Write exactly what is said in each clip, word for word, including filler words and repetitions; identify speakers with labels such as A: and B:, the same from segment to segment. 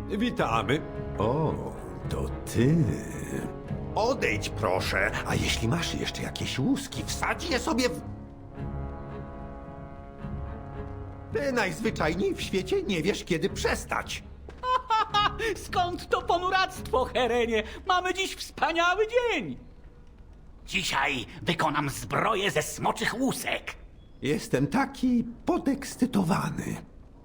A: Witamy.
B: O, to ty. Odejdź proszę, a jeśli masz jeszcze jakieś łuski, wsadź je sobie w... Ty najzwyczajniej w świecie nie wiesz, kiedy przestać.
C: Skąd to ponuractwo, Herenie? Mamy dziś wspaniały dzień! Dzisiaj wykonam zbroję ze smoczych łusek.
B: Jestem taki podekscytowany.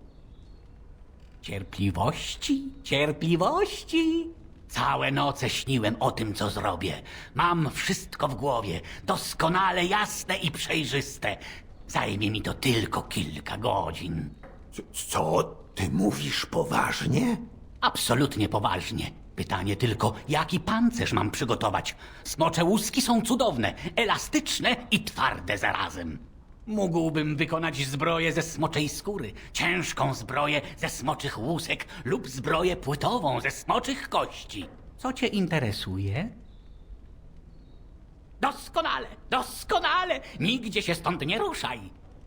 C: Cierpliwości, cierpliwości. Całe noce śniłem o tym, co zrobię. Mam wszystko w głowie, doskonale jasne i przejrzyste. Zajmie mi to tylko kilka godzin.
B: C- Co? Ty mówisz poważnie?
C: Absolutnie poważnie. Pytanie tylko, jaki pancerz mam przygotować? Smocze łuski są cudowne, elastyczne i twarde zarazem. Mógłbym wykonać zbroję ze smoczej skóry, ciężką zbroję ze smoczych łusek lub zbroję płytową ze smoczych kości. Co cię interesuje? Doskonale, doskonale! Nigdzie się stąd nie ruszaj.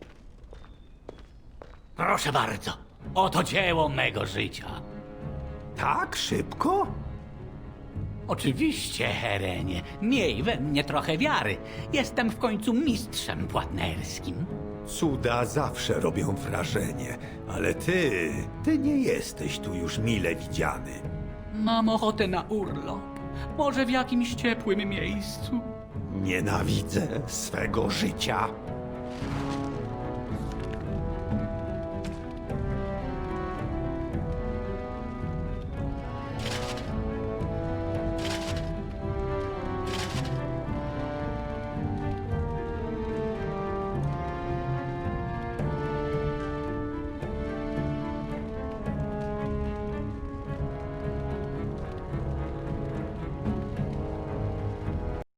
C: Proszę bardzo, oto dzieło mego życia.
B: Tak szybko?
C: Oczywiście, Herenie. Miej we mnie trochę wiary. Jestem w końcu mistrzem płatnerskim.
B: Cuda zawsze robią wrażenie, ale ty, ty nie jesteś tu już mile widziany.
C: Mam ochotę na urlop. Może w jakimś ciepłym miejscu.
B: Nienawidzę swego życia.